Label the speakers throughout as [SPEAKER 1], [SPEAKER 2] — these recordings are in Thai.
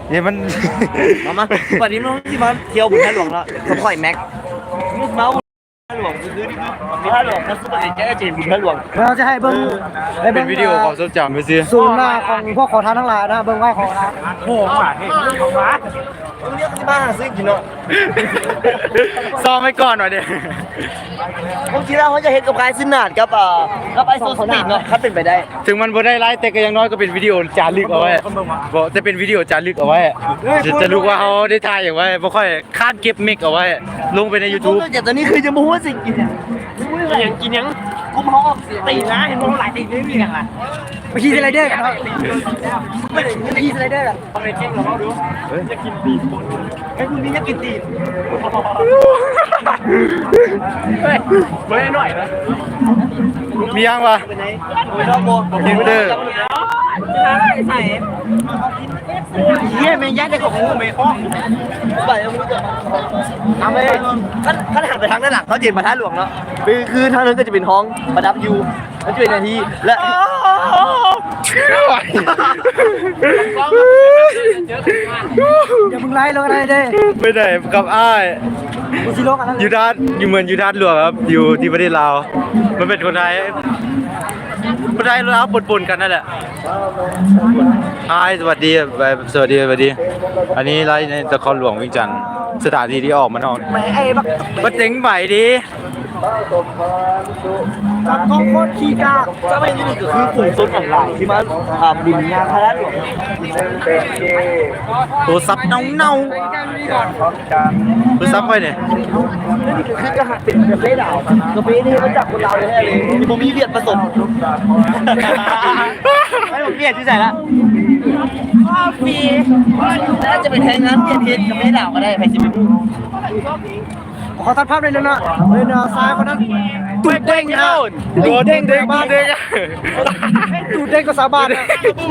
[SPEAKER 1] เนี่ยมัน
[SPEAKER 2] มาวันนี้มันที่มาเที่ยวบุญท่าหลวงแล้วเขาปล่อยแม็กเมาส์ท่าหลวงคือนี่คือท่าหลวงมันสุดเลยแกจะบุญท่าหลวง
[SPEAKER 3] เราจะให้เบิ้ง
[SPEAKER 1] เป็นวิดีโอความทรงจำไปสิ
[SPEAKER 3] ซูมหน้าของพวกขอทานทั้งหลายนะเบิ้งไว้ของนะโอ้โหเฮ้ยของร้าน
[SPEAKER 2] มึงเรียกที่บ้านซื้อกินเนาะ
[SPEAKER 1] ซ้อมไว้ก่อนหน่อยเดี๋ยว
[SPEAKER 2] บางทีแล้วเขาจะเห็นกับกายซินนาดกับไอโซสปีดเนาะถ้าเป็นไปได้
[SPEAKER 1] ถึงมันบ่ได้ไลฟ์แต่ก็ยังน้อยก็เป็นวิดีโอจารึกเอาไว้บอกจะเป็นวิดีโอจารึกเอาไว้จะรู้ว่าเขาได้ถ่ายอย่างไว้บ่ค่อยคาดเก็บมิกเอาไว้ลงไปใน YouTube
[SPEAKER 2] แต่ตอนนี้คือจะมูว่าสิ่งกินอย่างกินยังกูมองตีนะเห็นมองหลายตีไม่มีกันละ
[SPEAKER 3] ไปขี่สไลเดอร์กันไม่ได้ขี่สไลเดอร์กัน
[SPEAKER 2] ทำไมเจ๊งเราดูจะกินตีนไอ้พวกนี้จะกินตีนเฮ้ยเฮ้ยหน่อยนะ
[SPEAKER 1] มียังวะ
[SPEAKER 2] ไม่ต้องโบกินไปเลยใส่เยี่ยมยัดในของงูไม่คล้องไปแล้วมึงจะทำไปขั้นหันไปทางด้านหลังเขาเจ็บมาท่าหลวงแล้วคือทางนั้นก็จะเป็นห้องประดับยูมันจะเป็นนาทีและ
[SPEAKER 3] อย่ามึงไล่ลงอะไรเด้
[SPEAKER 1] ไปไหนกับอ้าย
[SPEAKER 3] กูซิโลกันแล้ว
[SPEAKER 1] อยู่ด้านอยู่เหมือนอยู่ด้านหลวงครับอยู่ที่ประเทศลาวมันเป็นคนไทยลาวปนกันนั่นแหละสวัสดีสวัสดีอันนี้ไลฟ์ในนครหลวงวิงจันทร์สถานที่ที่ออกมานอก
[SPEAKER 3] ไม่ไอ้
[SPEAKER 1] บักเจ๋งใหม่ดี
[SPEAKER 3] จับของโคตรขี้กาก
[SPEAKER 2] จะไม่นี่ก็คือกลุ่มต้นของหลายที่มาบุญงานพระราชหลวง
[SPEAKER 1] ตัวซับเน่าตัวซับไปเนี่ย
[SPEAKER 2] คือกระหัตเป็นกาแฟดาวกาแฟนี่มาจากคนลาวเลยมีผมมีเวียดผสมไม่ผมเวียดที่ไหนละฟรีน่าจะเป็นแทงงานเวียดเพชรกาแฟดาวก็ได้ไปสิบปี
[SPEAKER 3] ขอตัดภาพเลยนะเลยนะซ้ายคนนั้น
[SPEAKER 2] ตูดเด้งนะ
[SPEAKER 1] ตัวเด้ง
[SPEAKER 3] ตูดเด้งก็สาบาน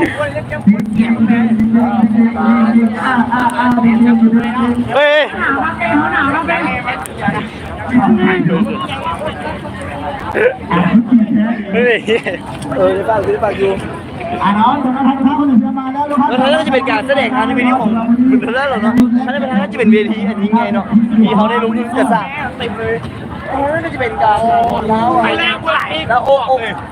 [SPEAKER 1] เฮ้ย
[SPEAKER 2] ได้ป่ะอยู่น้องคนนั้นท่านคนหนึ่งจะมาแล้วแล้วจะเป็นการแสดงงานในเวทีของคุณท่านหรอเนาะท่านเป็นท่านจะเป็นเวทีอันนี้ไงเนาะมีเขาได้รู้ที่จะสร้างเต็มเลยน่าจะเป็นการแล้วโอ้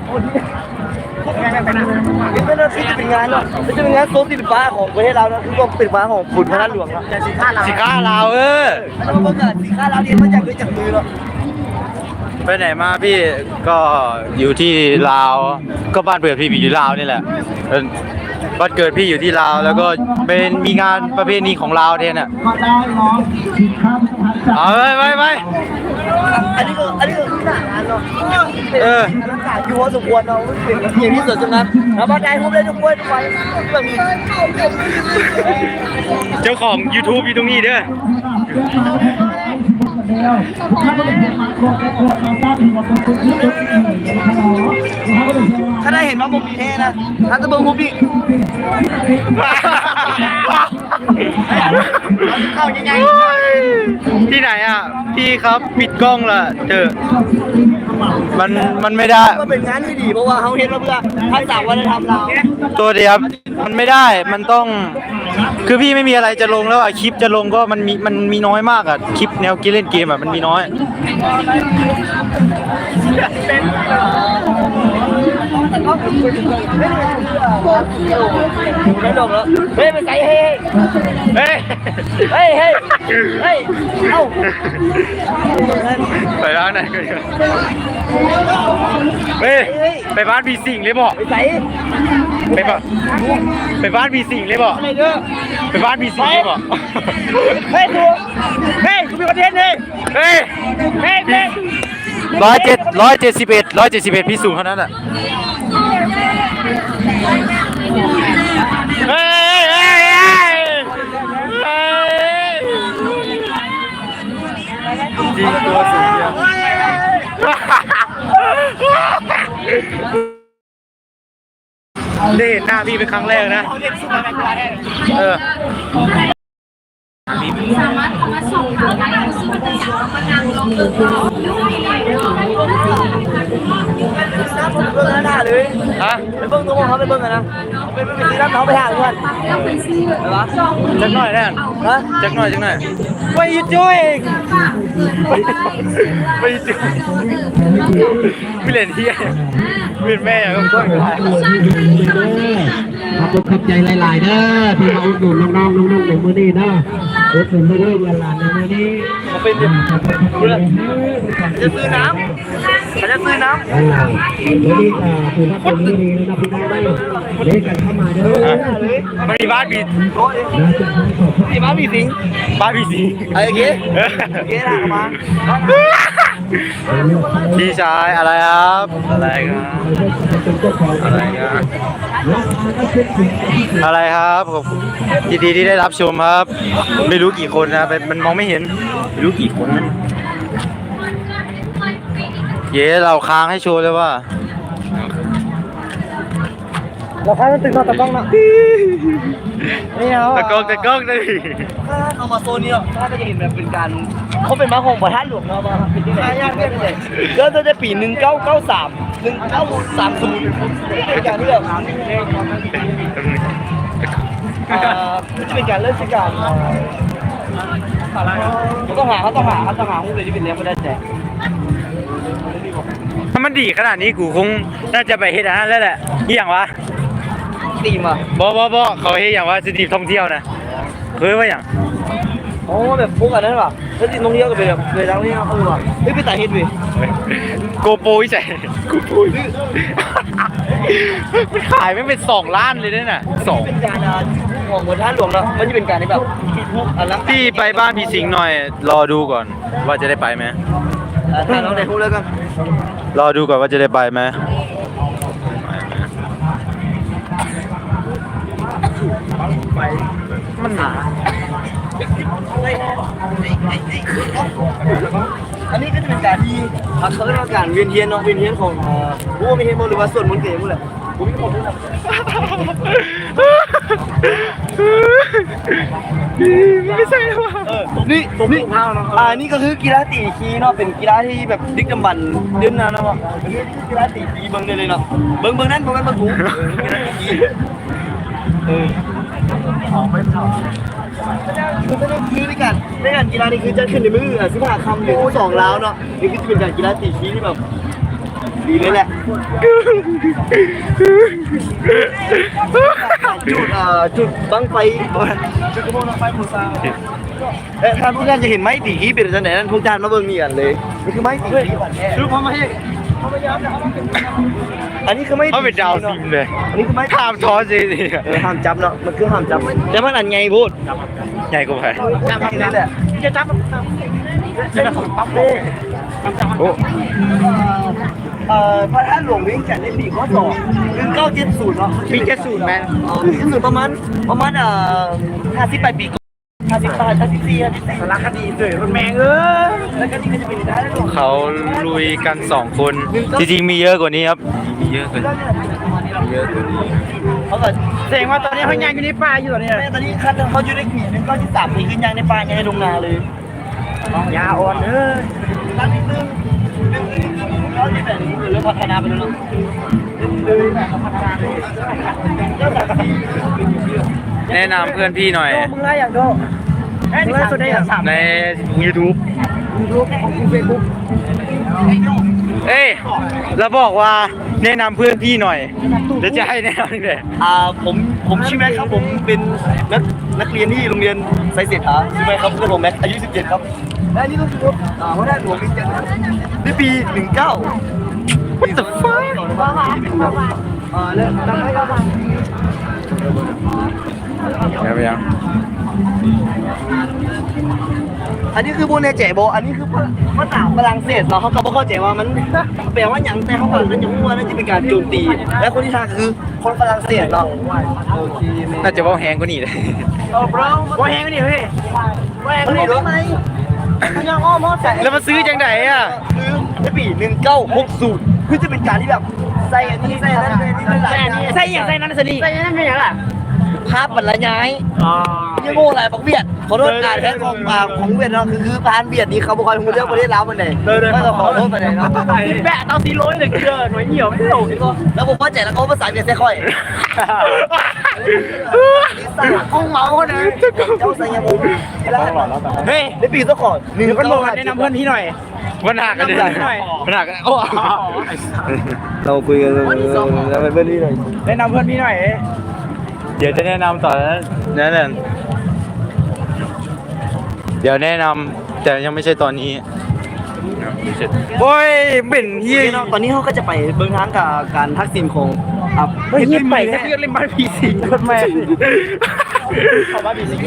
[SPEAKER 2] ไม่น่าที่จะเป็นงานเนาะจะเป็นงานโซนสินฟ้าของประเทศเราเนาะคือก็เป็นฟ้าของขุนพระราชหลวงเนาะสิ
[SPEAKER 1] ค้าลาว
[SPEAKER 2] แล้วก็เกิดสินค้าเราเรียนมาจากด้วยจากมือเนาะ
[SPEAKER 1] ไปไหนมาพี่ก็อยู่ที่ลาวก็บ้านเกิดพี่อยู่ลาวนี่แหละบ้านเกิดพี่อยู่ที่ลาวแล้วก็เป็นมีงานประเพณีของลาวแทนอ่ะเอาไป
[SPEAKER 2] อันนี้คือหน้างานเนาะอากาศอยู่พอสมควรเนาะเป็นอย่างที่สุดตรงนั้นแล้วมาได้พบได้ทุกคนทุกวันแบบนี้
[SPEAKER 1] เจ้าของ YouTube อยู่ตรงนี้เด้อ
[SPEAKER 2] ถ้าได้เห็นว่ามุมมีเท่นะถ้าจะเบิ่งมุมพี่เข้ายังไง
[SPEAKER 1] ที่ไหนอ่ะพี่ครับปิดกล้องละเถอะมันไม่ได้
[SPEAKER 2] ก็เป็นงานที่ดีเพราะว่าเขาเห็นว่าเพื่อทักษะวัฒนธรรมเรา
[SPEAKER 1] ตัวเดียวมันไม่ได้มันต้องคือพี่ไม่มีอะไรจะลงแล้วอ่ะคลิปจะลงก็มันมีน้อยมากอ่ะคลิปแนวเล่นเกมอ่ะมันมีน้อย
[SPEAKER 2] ไม่ดอกแล้วเฮ้ยไปใส่เฮ้เอ้า
[SPEAKER 1] ไปร้านไหนกันเฮ้ยไปบ้านพีสิงเลยบอก
[SPEAKER 2] ไปใส่
[SPEAKER 1] ไปบ้านพีสิงเลยบอกไปบ้านพีสิงเลยบอก
[SPEAKER 2] เฮ้ยกูมีคอนเทนต์เลย
[SPEAKER 1] เฮ้ย171พี่สูงเท่านั้นอ่ะเฮ้ยจริงตัวสูงเดียวได้เห็นหน้าพี่เป็นครั้งแรกนะ
[SPEAKER 4] สามารถเข้ามาสอบถามได้ที่ศูนย์ประชุมพนังลงตึกน้อง
[SPEAKER 2] หน้าผมเบิ่งหน้าเลย
[SPEAKER 1] ฮะ
[SPEAKER 2] ไปเบิ่งตัวมองเขาไปเบิ่งกันนะไปซื้อน้ำเขาไปทางเพื่อน
[SPEAKER 4] แล้วไปซื้อ
[SPEAKER 1] จักหน่อยแน่น
[SPEAKER 2] ฮะ
[SPEAKER 1] จักหน่อยจักหน่อย
[SPEAKER 2] What are you doing
[SPEAKER 1] ไม่จุไม่เล่นเที่ยไม่เล่นแม่อย่างก็ต้นกัน
[SPEAKER 5] ขอบคุณขับใจหลายๆเด้อที่มาอุดหนุนน้องๆนุ่งๆในมื้อนี้เด้ออุดหนุนไม่ได้เวลาในมื้อนี้
[SPEAKER 2] เขาเป็นจะซื้อน้ำเขาจะซื้อน้ำ
[SPEAKER 5] มื้อนี้คือถ้าเป็นมื้อนี้นะครับพี่น้องได้เล่นกันเข้ามาเด้อ
[SPEAKER 1] มันมีบ้านบี
[SPEAKER 2] โอ้ย
[SPEAKER 5] นะจะให้ขอบคุณ
[SPEAKER 2] ที่บ้านมีสิง
[SPEAKER 1] บ้านบีสี
[SPEAKER 2] ไอ้เก๋เก๋ถามมา
[SPEAKER 1] พี่ชายอะไรครับอะไรครับ
[SPEAKER 5] เป็นเจ้าของ
[SPEAKER 1] อะไรครับอะไรครับผมยินดีที่ได้รับชมครับ ไม่รู้กี่คนนะมันมองไม่เห็นไม่รู้กี่คนนะเย้เราค้างให้โชว์เลยว่า
[SPEAKER 3] เราแค่ตึงนอนตะกล้องนะนี่เอา
[SPEAKER 1] ตะกล้องเลย
[SPEAKER 2] ถ้าเอามาโซนนี้ถ้าจะเห็นแบบเป็นการเขาเป็นม้าของประธานหลวงเนาะมาเป็นที่ไหนยากเนี่ยเลยแล้วจะปี1993 1930เป็นการที่แบบเป็นการเริ่มจากการเขาต้องหาหุ้นเลยที่เป็นเลี้ยงไม่ได้แจก
[SPEAKER 1] ถ้ามันดีขนาดนี้กูคงน่าจะไปเฮ็ดอันนั้นแล้วแหละอีหยังวะ
[SPEAKER 2] ตีมา
[SPEAKER 1] บ่เขาเฮ็ดอย่างว่าสถานที่ท่องเที่ยวนะเคยว่าอย่าง
[SPEAKER 2] โอ้แบบพวกอันนั้นป่ะแล้วที่ท่องเที่ยวก็เป็นแบบเลยทั้งที่เขาว่ะเฮ้ยไปตายเฮ็ดเว้ย
[SPEAKER 1] โกโปรวิจัยโกโปรมันขายไม่เป็น2 ล้านเลยเนี่ยน่ะ2
[SPEAKER 2] เป็นการของประธานหลวงเนาะมันจะเป็นการที่แบบอันลัง
[SPEAKER 1] พี่ไปบ้านพี่สิงห์หน่อย รอดูก่อนว่าจะได้ไปไหม
[SPEAKER 2] ถ่ายน้องในหุ้นแล้วกัน
[SPEAKER 1] รอดูก่อนว่าจะได้ไปไหม
[SPEAKER 2] มันหนาอันนี้ก็จะเป็นการที่เขาเรียกว่าการเวียนเทียนเนาะเวียนเทียนของผู้มีเฮโมหรือว่าส่วนมนต์เก๋หมดเลยผมมีความรู้นะ
[SPEAKER 1] ไม่ใช่หรอ
[SPEAKER 2] นี่นี่ก็คือกีฬาตีคีเนาะเป็นกีฬาที่แบบดึกดำบรรพ์เดินนานเนาะเป็นกีฬาตีคีเบิ้งได้เลยเนาะเบิ้งนั่นเบิ้งถูคือในการกีฬานี่คือจะขึ้นในมือ15 คำหรือ2 ล้าวเนาะนี่คือจะเป็นการกีฬาตีคีที่แบบดีเลยแหละจุดบังไฟจุดกระโปรงบังไฟปูซาถ้าพวกท่านจะเห็นไม้ตีคีเป็นจังไหนนั่นพวกท่านมาเบิ่งนี่กันเลยนี่คือไม้ตีคีดูพอมาให้อันนี้คือไม่
[SPEAKER 1] เขาเป็นดาวซิมเลย
[SPEAKER 2] อันนี้คือไม่
[SPEAKER 1] ข้ามท้อสิ
[SPEAKER 2] ห้ามจับเนาะมันคือห้ามจับแต่มันอันไงพูด
[SPEAKER 1] ใหญ่กว่าไป
[SPEAKER 2] จับนี่แหละจะจับปั๊บเลย
[SPEAKER 1] โอ้
[SPEAKER 2] พระท่านหลวงวิ่งแข่งในปีข้อ1970เนาะปี70แมน70ประมาณ58 ปี54สารคดีเดือดมันแมงแล้วก็นี่ก็จะเป็นได้หลวง
[SPEAKER 1] เขาลุยกัน2 คนจริงๆมีเยอะกว่านี้ครับมีเยอะกว่านี้
[SPEAKER 2] เขาก็
[SPEAKER 3] แสดงว่าตอนนี้เขายังอยู่ในป่าอยู่ตอนนี้
[SPEAKER 2] ตอนนี้คันเขาอยู่ในปี1973ปีขึ้นยางในป่ายังในโรงนาเลย
[SPEAKER 3] ยาอ่อนเออ
[SPEAKER 2] ตั้งนิดนึงเขาจะแบบนี้เริ่มพัฒนาไปแล้วเนาะพัฒนาไปเริ่มจากที่
[SPEAKER 1] แนะนำเพื่อนพี่หน่อย
[SPEAKER 3] มึงไล่อย่างโดมึงไล่สุดได้อย่าง
[SPEAKER 1] ใน YouTube
[SPEAKER 3] ยูทูบของเฟซบุ๊ก
[SPEAKER 1] เอ้ยแล้วบอกว่าแนะนำเพื่อนพี่หน่อยเดี๋ยวจะให้แนะนำเลย
[SPEAKER 2] ผมชื่อแม็กครับผมเป็นนักเรียนที่โรงเรียนไซเศรษฐาชื่อแม็กครับเพื่อนผมแม็กอายุ17ครับและนี่ก็คือว่าได้หลวงวิเศษในปี19 What the fuck แล้วตั้งให้ครับ
[SPEAKER 1] ไปยัง
[SPEAKER 2] อันนี้คือโบเนเจโบอันนี้คือภาษาฝรั่งเศสเนาะเขาก็ไม่เข้าใจว่ามันแปลว่าอย่างแต่เขาบอกนั่นจะพูดว่านั่นจะเป็นการโจมตี และคนที่ทางคือคนฝรั่งเศสเนาะโอเค
[SPEAKER 1] น่าจะว่าแหงกว่านี้เลย
[SPEAKER 3] ว่าแห้งนี่เฮ้ยว่าแห้ง
[SPEAKER 2] มัน
[SPEAKER 3] นี่
[SPEAKER 2] รู้
[SPEAKER 3] ไห
[SPEAKER 2] ไห
[SPEAKER 3] ม
[SPEAKER 2] ม
[SPEAKER 3] ยังอ้อมอใส่
[SPEAKER 1] แล้วมาซื้อจังไหนอ่ะ
[SPEAKER 2] คือในปี1960คือจะเป็นการที่แบบใส่อันนี้ใส่อันนั้นใส่อันนี้
[SPEAKER 3] ใส่อย่างใส่นั้นสิใส่นั้นเป็นอย่างไร
[SPEAKER 2] ภาพบรรยายยังโง่อะไรบักเบียดขอโทษอ่านแค่ของเบียดเนาะคือพานเบียดนี่เขาบอกว่าคุณเลือกประเทศลาวมันไหนก็จะขอโทษไปไหนเนาะแปะเอา400เลยเกินหน่วยเหี่ยวไม่ถูกแล้วผมว่าใจแล้วเขาภาษาเบียดใส่ค่อยกุ้งเมาคนนึงเจ้าใส่ยาบุเฮ้ยได้ปีซะก่อน1ก็บอกแนะนำเพื่อนพี่หน่อย
[SPEAKER 1] ปัญหากันเลยปัญหากันโอ้
[SPEAKER 2] เราคุยกันแล้วเป็นเพื่อนพี่หน่อยแนะนำเพื่อนพี่หน่อย
[SPEAKER 1] เดี๋ยวจะแนะนำต่อนั่นแหละเดี๋ยวแนะนำแต่ยังไม่ใช่ตอนนี้โอ้ยเป็นเฮีย
[SPEAKER 2] ตอนนี้เขาก็จะไปเบื้องทางกับการทักซิณของเฮ้ยไปแค่เล่นบ้านผีสิงคนแม่เขาบ้านผีสิง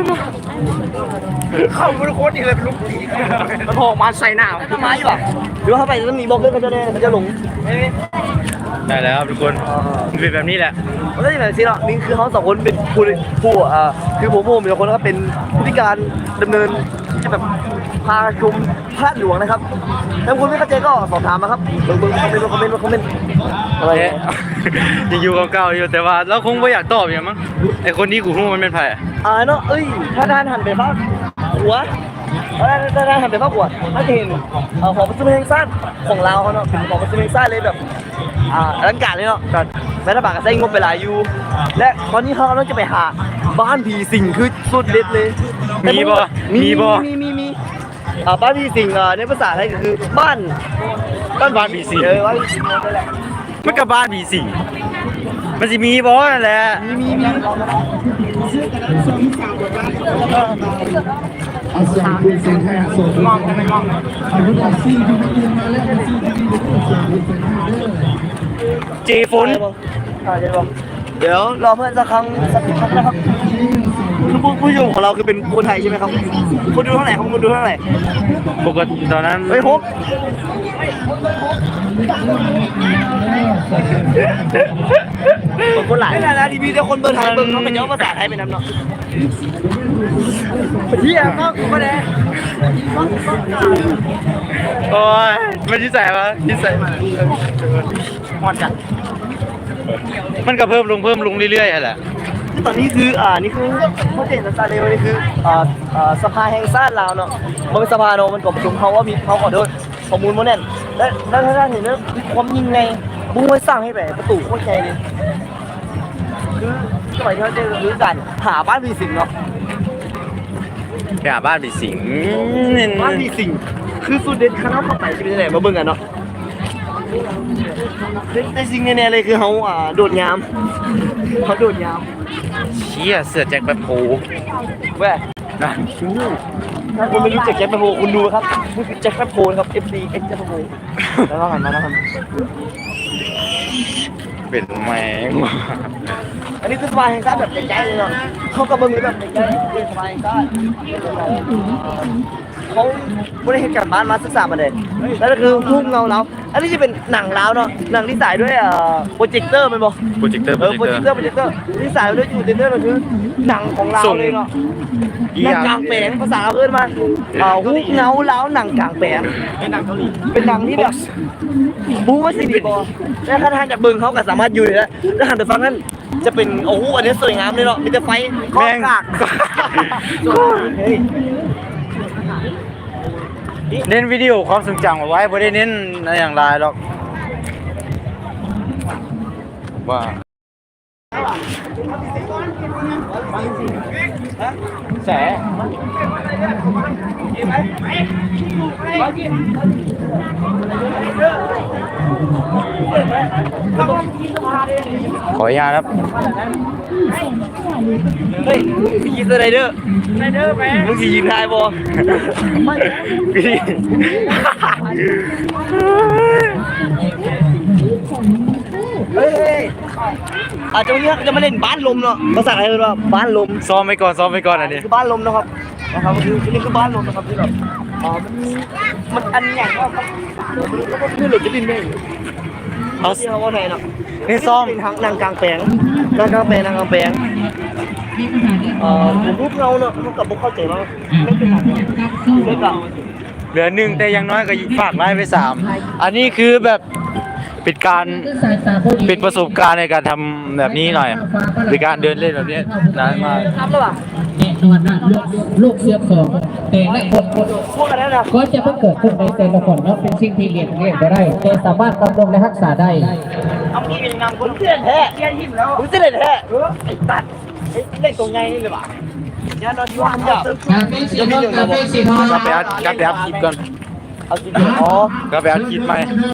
[SPEAKER 2] เขาเป็นโคตรดีเลยเป็นลูกผีมันโผล่มาใส่หน้าทำไมอยู่อ่ะหรือว่าเขาไปแล้วมีบอกเรื่องเขาจะแน่เขาจะหลง
[SPEAKER 1] ได้แล้วครับทุกคนเป็นแบบนี้แหละ
[SPEAKER 2] มันก็จะแบบนี้เนาะนี่คือเขาสองคนเป็นผู้คือผมเป็นคนก็เป็นผู้พิการดำเนินจะแบบพาชมพระหลวงนะครับถ้าคุณไม่เข้าใจก็สอบถามมาครับเบิ่งคอมเมนต์อะไร
[SPEAKER 1] ยังอยู่เก่าๆอยู่แต่ว่าเราคงไม่อยากตอบอย่างมั้งไอคนนี้กูรู้มันเป็นไผ่
[SPEAKER 2] เนาะถ้าท่านหันไปภาคหัวถ้าท่านหันไปภาคหัวถ้าจะเห็นของประตูแห่งชาติของเราเนาะเป็นของประตูแห่งชาติเลยแบบอลังการเลยเนาะรัฐบาลก็ใช้งบไปหลายอยู่และตอนนี้เขาต้องจะไปหาบ้านผีสิงคือสุดเด็ดเลยมีบ้านผีสิงในภาษาไทยก็คือบ้าน
[SPEAKER 1] ผีสิง
[SPEAKER 2] บ้านผีสิงนั่นแหละ
[SPEAKER 1] มันกับบ้านผีสิงมันจะมีบอสนั่นแหละ
[SPEAKER 5] เอาส่งคุณเซนให้ส่งมองกันไม่มองเอารถตักซี่ที่มาเรียนมาเล่นกันซี่ที่นี่ก็ส่งคุณเซนให้เด้อ
[SPEAKER 1] เจฟุน
[SPEAKER 2] เดี๋ยวรอเพื่อนสักครั้งนะครับคือผู้ชมของเราคือเป็นคนไทยใช่ไหมครับคนดูเท่าไหร่ครับคนดูเท่าไหร่
[SPEAKER 1] ปกติตอนนั้น
[SPEAKER 2] เฮ้ยพกคนหลายไม่ได้นะทีวีเดียวคนเบอร์ไทยเบอร์เขาเป็นเจ้าภาษาไทยเป็นน้ำเนาะเฮียมากก็ได้
[SPEAKER 1] โอ้ยมันที่ใส่ปะที่ใส่
[SPEAKER 2] หอดจัด
[SPEAKER 1] มันก็เพิ่มลงเรื่อยๆแหละ
[SPEAKER 2] ตอนนี้คือนี่คือโปรเจกต์สตาร์เดลนี่คือสภาแห่งชาติลาวเนาะมันเป็นสภาเนาะมันกบประชุมเขาว่ามีเขาขอโทษข้อมูลมันแน่นและถ้าเห็นว่าความยิ่งไงบุ้งไว้สร้างให้แบบประตูโคตรใหญ่เลยคือสมัยที่เขาเจอคือการหาบ้านผีสิงเนาะ
[SPEAKER 1] ไปหาบ้านผีสิง
[SPEAKER 2] บ้านผีสิงคือสุดเด็ดข้างนอกเข้าไปจะเป็นยังไงมาเบิ่งกันเนาะแต่สิ่งแน่ๆเลยคือเขาโดดยามเขาโดดยาม
[SPEAKER 1] เชี่ยเสือแจ็คแบบโผ
[SPEAKER 2] แว่ถ้าคุณไม่รู้จักแจ็คแปโพคุณดูครับนี่คือแจ็คแปโพนะครับ FC X แจ็คแปโพแล้วก็หันมาแล้วครับ
[SPEAKER 1] เป็นแมง
[SPEAKER 2] อันนี้คือสบายแห่งชาติแบบใจๆเลยเนาะเขากำลังแบบใจๆเป็นสบายแห่งชาติเขาไม่ได้เห็นการบ้านมาศึกษามาเลยแล้วก็คือรูปเงาเราอันนี้จะเป็นหนังแล้วเนาะหนังที่สายด้วยโปรเจคเตอร์มันบอก
[SPEAKER 1] โปรเจคเตอร์
[SPEAKER 2] โปรเจคเตอร์ที่สายด้วยโปรเจคเตอร์ก็คือหนังของเราเลยเนาะหนังกลางแปลงภาษาเราเอิ้นมาฮูกเงาแล้วหนังกลางแปลงเป็นหนังเกาหลีเป็นหนังที่แบบบู๊ว่าสิดีบอแล้วถ้าท่านจากเบิ่งเขาก็สามารถอยู่ได้แล้วหันไปฟังนั่นจะเป็นโอ้โหอันนี้สวยงามเลยเนาะมีแต่ไฟ
[SPEAKER 1] แม่ง
[SPEAKER 2] กากเฮ้ย
[SPEAKER 1] เน้นวิดีโอความทรงจำเอาไว้ไม่ได้เน้นอะไรอย่างไรหรอกว่าแสขออนุญาตครับ
[SPEAKER 2] เฮ้ยมีกีสไลเดอร์ไปมึงขี่ยิงทายบอเฮ้ยอาจจะวันนี้จะมาเล่นบ้านลมเนาะภาษาอะไรเนาะบ้านลม
[SPEAKER 1] ซ้อมไปก่อนอันนี้
[SPEAKER 2] คือบ้านลมนะครับคือนี่คือบ้านลมนะครับที่แบบมันอันใหญ่มากครับคือหลุดจะดินได้เอาที่เขาว่าไงเนาะ
[SPEAKER 1] นี่ซ้อม
[SPEAKER 2] เป็นทางนางกลางแปลงผมรูปเงาเนาะเขากับบุกเข้าใจว่าไม่เป็นไรไม่กลับ
[SPEAKER 1] เหลือ1แต่อยังน้อยก็ฝากไลน์ไป3อันนี้คือแบบเป็นประสบการณ์ในการทำแบบนี้หน่อยในการเดินเล่นแบบนี้นานมาก
[SPEAKER 2] รับแล้วป่ะ
[SPEAKER 5] แน่นอนนะลูกเสือของแต่ละคน
[SPEAKER 2] พวกกันแล้วนะ
[SPEAKER 5] ก็จะเพิ่งเกิดขึ้นในแต่ละคนเนาะเป็นสิ่งที่เรียนไม่ได้แต่สามารถดำรงและรักษาได้
[SPEAKER 2] เอางี้เป็นงานคนเพื่อนแท้เพื่อนหิมแล้วรู้สึกเลยแท้ไอ้ตัดเล่นตรงไงนี่เลยป่ะยันนอนที่ว่างจับ
[SPEAKER 5] กาเฟ่สีทองกาเฟ่สีทอง
[SPEAKER 1] กลับไปอัดคลิปก่อน
[SPEAKER 2] เอาจริงๆอ๋อ
[SPEAKER 1] กลับไปอัดคลิปไหม